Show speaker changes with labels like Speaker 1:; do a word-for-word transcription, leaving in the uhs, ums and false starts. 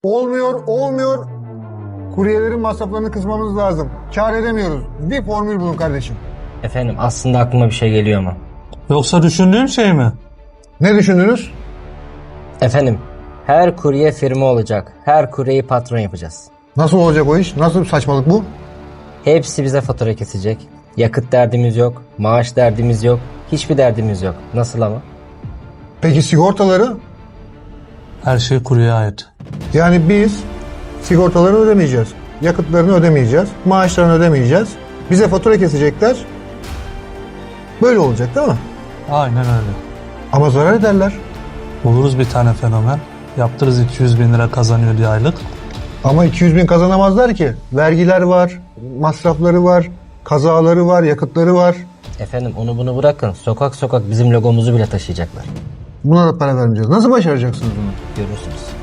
Speaker 1: Olmuyor, olmuyor. Kuryelerin masraflarını kısmamız lazım. Kâr edemiyoruz. Bir formül bulun kardeşim.
Speaker 2: Efendim aslında aklıma bir şey geliyor ama.
Speaker 3: Yoksa düşündüğüm şey mi?
Speaker 1: Ne düşündünüz?
Speaker 2: Efendim her kurye firma olacak. Her kuryeyi patron yapacağız.
Speaker 1: Nasıl olacak o iş? Nasıl bir saçmalık bu?
Speaker 2: Hepsi bize fatura kesecek. Yakıt derdimiz yok. Maaş derdimiz yok. Hiçbir derdimiz yok. Nasıl ama?
Speaker 1: Peki sigortaları?
Speaker 3: Her şey kuruya ait.
Speaker 1: Yani biz sigortalarını ödemeyeceğiz. Yakıtlarını ödemeyeceğiz. Maaşlarını ödemeyeceğiz. Bize fatura kesecekler. Böyle olacak değil mi?
Speaker 3: Aynen öyle.
Speaker 1: Ama zarar ederler.
Speaker 3: Buluruz bir tane fenomen. Yaptırırız iki yüz bin lira kazanıyor diye aylık.
Speaker 1: Ama iki yüz bin kazanamazlar ki. Vergiler var, masrafları var, kazaları var, yakıtları var.
Speaker 2: Efendim onu bunu bırakın. Sokak sokak bizim logomuzu bile taşıyacaklar.
Speaker 1: Buna da para vermeyeceğiz. Nasıl başaracaksınız bunu?
Speaker 2: Görürsünüz.